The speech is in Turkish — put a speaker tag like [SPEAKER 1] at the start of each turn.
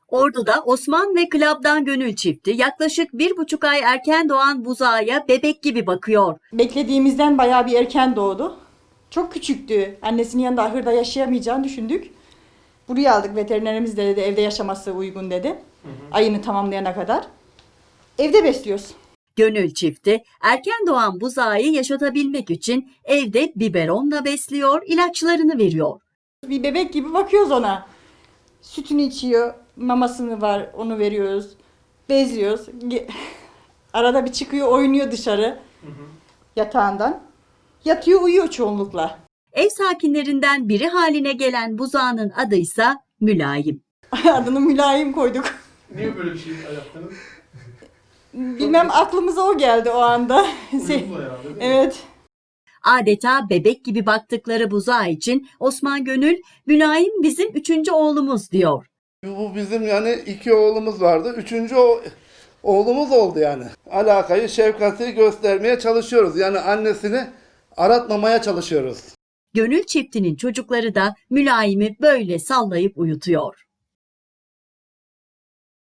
[SPEAKER 1] Ordu'da Osman ve Klab'dan Gönül çifti yaklaşık 1,5 ay erken doğan buzağa bebek gibi bakıyor.
[SPEAKER 2] Beklediğimizden bayağı bir erken doğdu. Çok küçüktü. Annesinin yanında ahırda yaşayamayacağını düşündük. Buraya aldık, veterinerimiz de dedi evde yaşaması uygun dedi. Ayını tamamlayana kadar. Evde besliyoruz.
[SPEAKER 1] Gönül çifti erken doğan buzağı yaşatabilmek için evde biberonla besliyor, ilaçlarını veriyor.
[SPEAKER 2] Bir bebek gibi bakıyoruz ona. Sütünü içiyor, mamasını var, onu veriyoruz. Bezliyoruz. Arada bir çıkıyor, oynuyor dışarı yatağından. Yatıyor, uyuyor çoğunlukla.
[SPEAKER 1] Ev sakinlerinden biri haline gelen buzağının adıysa Mülayim.
[SPEAKER 2] Adını Mülayim koyduk.
[SPEAKER 3] Niye böyle bir şey yaptınız?
[SPEAKER 2] Bilmem, aklımıza o geldi o anda.
[SPEAKER 3] Uyumlu herhalde değil mi?
[SPEAKER 2] Evet.
[SPEAKER 1] Adeta bebek gibi baktıkları buzağı için Osman Gönül, Mülayim bizim 3. oğlumuz diyor.
[SPEAKER 4] Bu bizim yani 2 oğlumuz vardı. 3. oğlumuz oldu yani. Alakayı, şefkati göstermeye çalışıyoruz. Yani annesini aratmamaya çalışıyoruz.
[SPEAKER 1] Gönül çiftinin çocukları da Mülayim'i böyle sallayıp uyutuyor.